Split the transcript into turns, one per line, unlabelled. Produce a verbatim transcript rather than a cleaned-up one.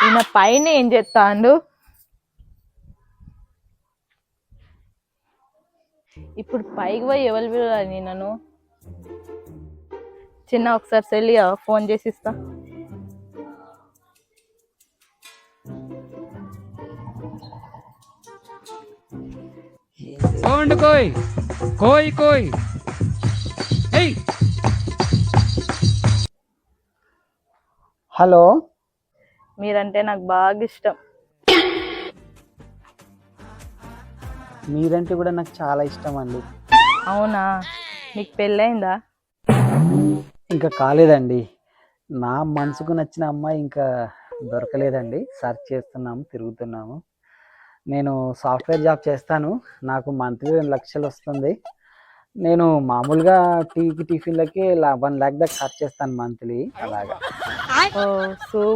ఈయన పైన ఏం చేస్తాండు? ఇప్పుడు పైకి పోయి ఎవరు పిలవాలి నన్ను? చిన్న ఒకసారి సెల్లి ఫోన్ చేసి ఇస్తా.
కోయ్ కోయ్ కోయ్
హలో,
మీరంటే నాకు బాగా ఇష్టం.
మీరంటే కూడా నాకు చాలా ఇష్టం అండి.
అవునా, మీకు పెళ్ళయిందా?
ఇంకా కాలేదండి. నా మనసుకు నచ్చిన అమ్మాయి ఇంకా దొరకలేదండి. సర్చ్ చేస్తున్నాము, తిరుగుతున్నాము. నేను సాఫ్ట్వేర్ జాబ్ చేస్తాను. నాకు మంత్లీ రెండు లక్షలు వస్తుంది. నేను మామూలుగా టీకి టిఫిన్లకి వన్ ల్యాక్ దాకా ఖర్చు చేస్తాను మంత్లీ. అలాగా.
ఓ సూ